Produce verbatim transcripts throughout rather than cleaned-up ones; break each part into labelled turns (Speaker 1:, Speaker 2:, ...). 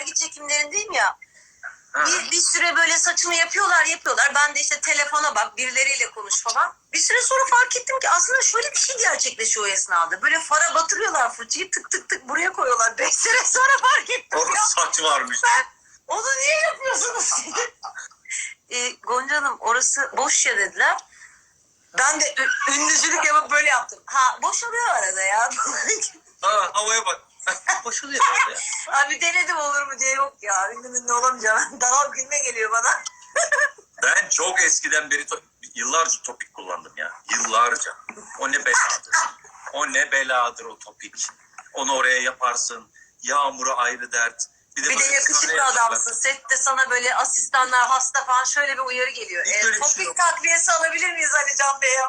Speaker 1: dergi çekimlerindeyim ya. Bir, bir süre böyle saçımı yapıyorlar yapıyorlar. Ben de işte telefona bak, birileriyle konuş falan. Bir süre sonra fark ettim ki aslında şöyle bir şey gerçekleşiyor o esnada. Böyle fara batırıyorlar fırçayı, tık tık tık buraya koyuyorlar. Beş sene sonra fark ettim
Speaker 2: Orada
Speaker 1: ya.
Speaker 2: saç varmış.
Speaker 1: Ben, onu niye yapıyorsunuz? e, Gonca Hanım orası boş ya dediler. Ben de ü- ünlücülük yapıp böyle yaptım. Ha boşalıyor arada ya.
Speaker 2: Ha, havaya bak. Boşalıyor böyle ya.
Speaker 1: Abi denedim olur mu diye, yok ya. Ünlü ünlü olamayacağım. Dalal gülme geliyor bana.
Speaker 2: Ben çok eskiden beri to- yıllarca topik kullandım ya. Yıllarca. O ne beladır. O ne beladır o topik. Onu oraya yaparsın. Yağmuru ayrı dert.
Speaker 1: Bir de
Speaker 2: böyle
Speaker 1: yakışıklı
Speaker 2: sana
Speaker 1: adamsın. Sette sana böyle asistanlar hasta falan şöyle bir uyarı geliyor.
Speaker 2: Hiç
Speaker 1: E,
Speaker 2: öyle bir şey
Speaker 1: topik
Speaker 2: yok.
Speaker 1: takviyesi alabilir miyiz Ali Can Bey?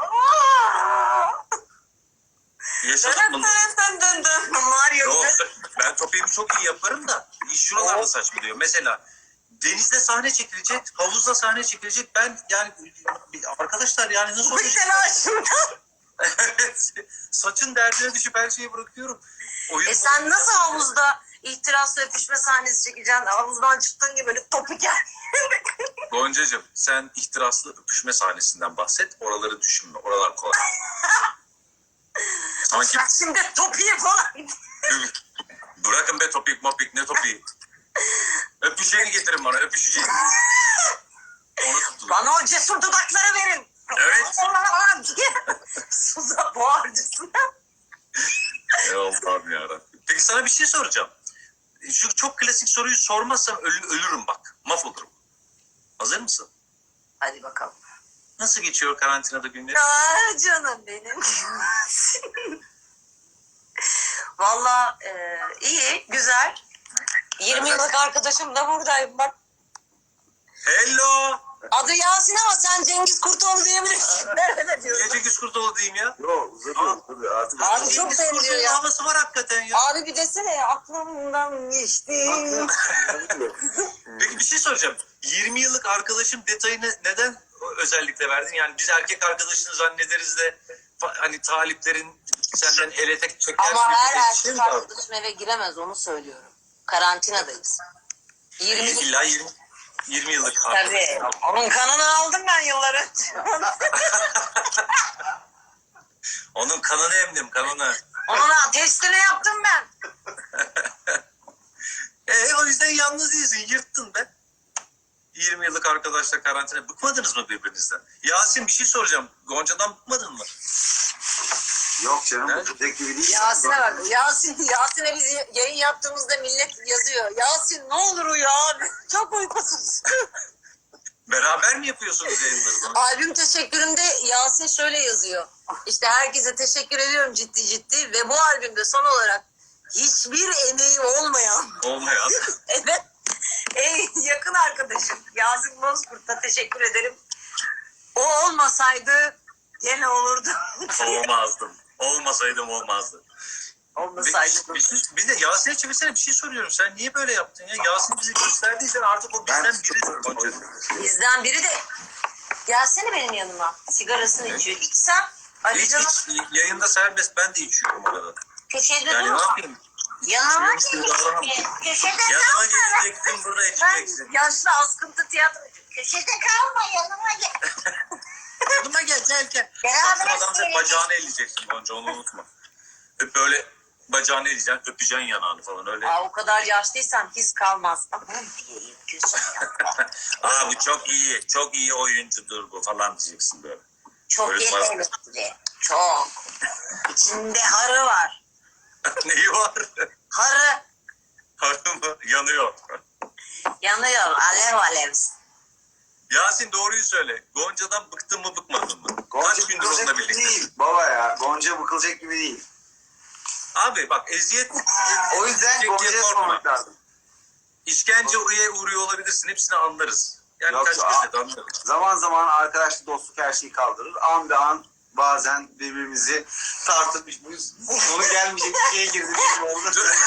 Speaker 2: Yaşadık bunu.
Speaker 1: Dın dın dın. Mario
Speaker 2: Yok,
Speaker 1: gibi.
Speaker 2: ben topiğimi çok iyi yaparım da iş şuralarda saçmalıyor. Mesela denizde sahne çekilecek, havuzda sahne çekilecek. Ben yani arkadaşlar yani nasıl
Speaker 1: Bu
Speaker 2: olacak?
Speaker 1: telaşımdan.
Speaker 2: Evet. Saçın derdine düşüp her şeyi bırakıyorum. Oyun
Speaker 1: E sen nasıl havuzda ihtirasla öpüşme sahnesi çekeceksin? Havuzdan çıktığın gibi böyle topik yer.
Speaker 2: Goncacığım sen ihtiraslı öpüşme sahnesinden bahset. Oraları düşünme. Oralar kolay. Sanki
Speaker 1: Sen şimdi topiği falan.
Speaker 2: bırakın be topik mopik ne topiği. Öpüşeceğini getirin bana öpüşeceğini. Onu tutun.
Speaker 1: Bana o cesur dudakları verin.
Speaker 2: Evet.
Speaker 1: diye. Suza boğarcısına.
Speaker 2: Ey Allah'ım yarabbim. Peki sana bir şey soracağım. Şu çok klasik soruyu sormazsam ölü- ölürüm bak. Mahvolurum. Hazır mısın?
Speaker 1: Hadi bakalım.
Speaker 2: Nasıl geçiyor karantinada günleri?
Speaker 1: Aa, canım benim. Valla e, iyi, güzel. yirmi yıllık arkadaşım da buradayım bak.
Speaker 2: Hello.
Speaker 1: Adı Yasin ama sen Cengiz Kurtoğlu diyebilirsin. Nerede
Speaker 2: Niye
Speaker 1: diyorsun?
Speaker 2: Cengiz Kurtoğlu diyeyim ya?
Speaker 3: Yok uzadı uzadı artık.
Speaker 1: Abi çok
Speaker 2: Cengiz
Speaker 1: benziyor
Speaker 2: Kurtoğlu'nun
Speaker 1: ya.
Speaker 2: havası var hakikaten ya.
Speaker 1: Abi bir desene ya, aklımdan geçti.
Speaker 2: Peki bir şey soracağım. yirmi yıllık arkadaşım detayını neden özellikle verdin? Yani biz erkek arkadaşını zannederiz de fa- hani taliplerin senden ele tek çeker
Speaker 1: Ama
Speaker 2: gibi
Speaker 1: her
Speaker 2: bir şey
Speaker 1: erkek
Speaker 2: mi var?
Speaker 1: arkadaşım eve giremez, onu söylüyorum. Karantinadayız. yirmi
Speaker 2: İlla yirmi, yirmi yıllık
Speaker 1: Tabii.
Speaker 2: arkadaşım.
Speaker 1: Onun kanını aldım ben yıllar önce.
Speaker 2: Onun kanını emdim kanını.
Speaker 1: Onun testini yaptım ben.
Speaker 2: E o yüzden yalnız değilsin. Yırttın be. yirmi yıllık arkadaşla karantina. Bıkmadınız mı birbirinizden? Yasin bir şey soracağım. Gonca'dan bıkmadın mı?
Speaker 3: Yok canım
Speaker 2: Ne?
Speaker 3: bu tek gibi değil.
Speaker 1: Yasin'e bak. Yasin, Yasin'e biz yayın yaptığımızda millet yazıyor. Yasin ne olur uyu abi. Çok uykusuz.
Speaker 2: Beraber mi yapıyorsunuz yayınları?
Speaker 1: Albüm teşekkürümde Yasin şöyle yazıyor. İşte herkese teşekkür ediyorum ciddi ciddi ve bu albümde son olarak hiçbir emeği olmayan
Speaker 2: Olmayan.
Speaker 1: evet en yakın arkadaşım Yasin Bozkurt'a teşekkür ederim. O olmasaydı gene olurdu.
Speaker 2: Olmazdım. Olmasaydım olmazdı.
Speaker 1: Olmasaydı.
Speaker 2: Bir, bir, bir de Yasin'e çevirsene bir şey soruyorum. Sen niye böyle yaptın ya? Yasin bizi gösterdiysen artık o bizden biridir Gonca.
Speaker 1: Bizden biri de gelsene benim yanıma. Sigarasını
Speaker 2: Ne?
Speaker 1: içiyor. İçsem Ali
Speaker 2: Hiç
Speaker 1: Can'a
Speaker 2: hiç yayında serbest ben de içiyorum arada.
Speaker 1: köşede
Speaker 2: Yani ne
Speaker 1: durma.
Speaker 2: yapayım?
Speaker 1: Yanıma
Speaker 2: Şöyle bir şey davranamam.
Speaker 1: geleceksin. Köşede
Speaker 2: Yanıma
Speaker 1: kalma.
Speaker 2: geleceksin burada
Speaker 1: Ben
Speaker 2: içeceksin.
Speaker 1: yaşlı askıntı tiyatrocu. Köşede kalma, yanıma gel.
Speaker 2: Yanıma gel gel gel.
Speaker 1: Beraber
Speaker 2: Saçma adam sen
Speaker 1: seyredelim.
Speaker 2: bacağını eleyeceksin Gonca onu unutma. Öp böyle bacağını eleyeceksin öpeceksin yanağını falan öyle.
Speaker 1: Aa, o kadar yaşlıysam his kalmaz. Aman diyeyim gözüm ya.
Speaker 2: Aa bu çok iyi çok iyi oyuncudur bu falan diyeceksin böyle.
Speaker 1: Çok
Speaker 2: Öyle
Speaker 1: yetenekli. Çok. İçinde harı var.
Speaker 2: Neyi var?
Speaker 1: Harı
Speaker 2: Harı mı? Yanıyor.
Speaker 1: yanıyor. Alev alev.
Speaker 2: Yasin doğruyu söyle. Gonca'dan bıktın mı bıkmadın mı?
Speaker 3: Gonca
Speaker 2: Kaç gündür
Speaker 3: bıkılacak
Speaker 2: onunla
Speaker 3: gibi
Speaker 2: birlikte?
Speaker 3: değil. Baba ya Gonca bıkılacak gibi değil.
Speaker 2: Abi bak eziyet,
Speaker 3: O yüzden
Speaker 2: eziyet
Speaker 3: Gonca'ya
Speaker 2: korkma.
Speaker 3: sormak lazım.
Speaker 2: İşkenceye uğruyor olabilirsin. Hepsini anlarız. Yani
Speaker 3: Yok,
Speaker 2: kaç
Speaker 3: aa.
Speaker 2: kez de anlarız.
Speaker 3: Zaman zaman arkadaşlık dostluk her şeyi kaldırır. An be an bazen birbirimizi tartıp bu sonu gelmeyecek bir şeye girdik gibi oldu.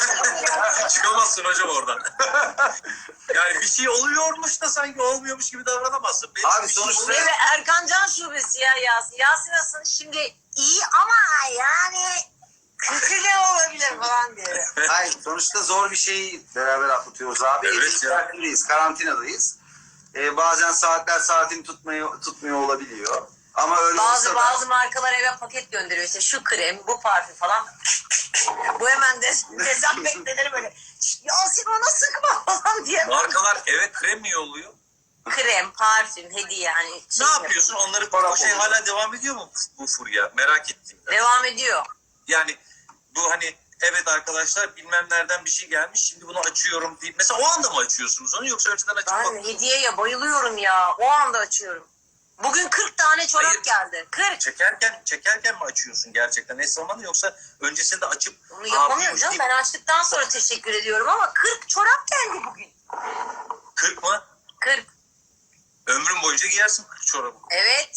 Speaker 2: Çıkamazsın hocam oradan. Yani bir şey oluyormuş da sanki olmuyormuş gibi davranamazsın. Benim
Speaker 3: Abi
Speaker 2: bir şey
Speaker 3: sonuçta-
Speaker 2: oluyor.
Speaker 1: Evet, Erkan Can şubesi ya Yasin. Yasin aslında şimdi iyi ama yani Kötü ne olabilir falan diye.
Speaker 3: Hayır, sonuçta zor bir şeyi beraber atlatıyoruz abi.
Speaker 2: Evet
Speaker 3: Evet
Speaker 2: ya.
Speaker 3: karantinadayız. Ee, bazen saatler saatini tutmuyor, tutmuyor olabiliyor. Ama öyle
Speaker 1: Bazı
Speaker 3: olsa
Speaker 1: bazı
Speaker 3: da
Speaker 1: markalar eve paket gönderiyor işte şu krem, bu parfüm falan. Bu hemen de dezenfekteleri böyle. Yasin bana sıkma falan diye.
Speaker 2: Markalar eve krem mi yolluyor?
Speaker 1: Krem, parfüm, hediye yani.
Speaker 2: Ne yapıyorsun? Onları o şey hala devam ediyor mu bu, bu furya? Merak ettim. de.
Speaker 1: Devam ediyor.
Speaker 2: Yani bu hani evet arkadaşlar bilmem nereden bir şey gelmiş şimdi bunu açıyorum deyip mesela o anda mı açıyorsunuz onu yoksa önceden açıp
Speaker 1: Ben
Speaker 2: bak-
Speaker 1: hediyeye bayılıyorum ya. O anda açıyorum. Bugün kırk tane çorap
Speaker 2: Hayır.
Speaker 1: geldi. kırk.
Speaker 2: çekerken çekerken mi açıyorsun gerçekten eş zamanı yoksa öncesinde açıp
Speaker 1: Bunu yapamıyorum
Speaker 2: "Aa,
Speaker 1: canım.
Speaker 2: bir-
Speaker 1: Ben açtıktan sonra teşekkür ediyorum ama kırk çorap geldi bugün.
Speaker 2: kırk mı?
Speaker 1: kırk.
Speaker 2: Ömrün boyunca giyersin kırk çorabı.
Speaker 1: Evet.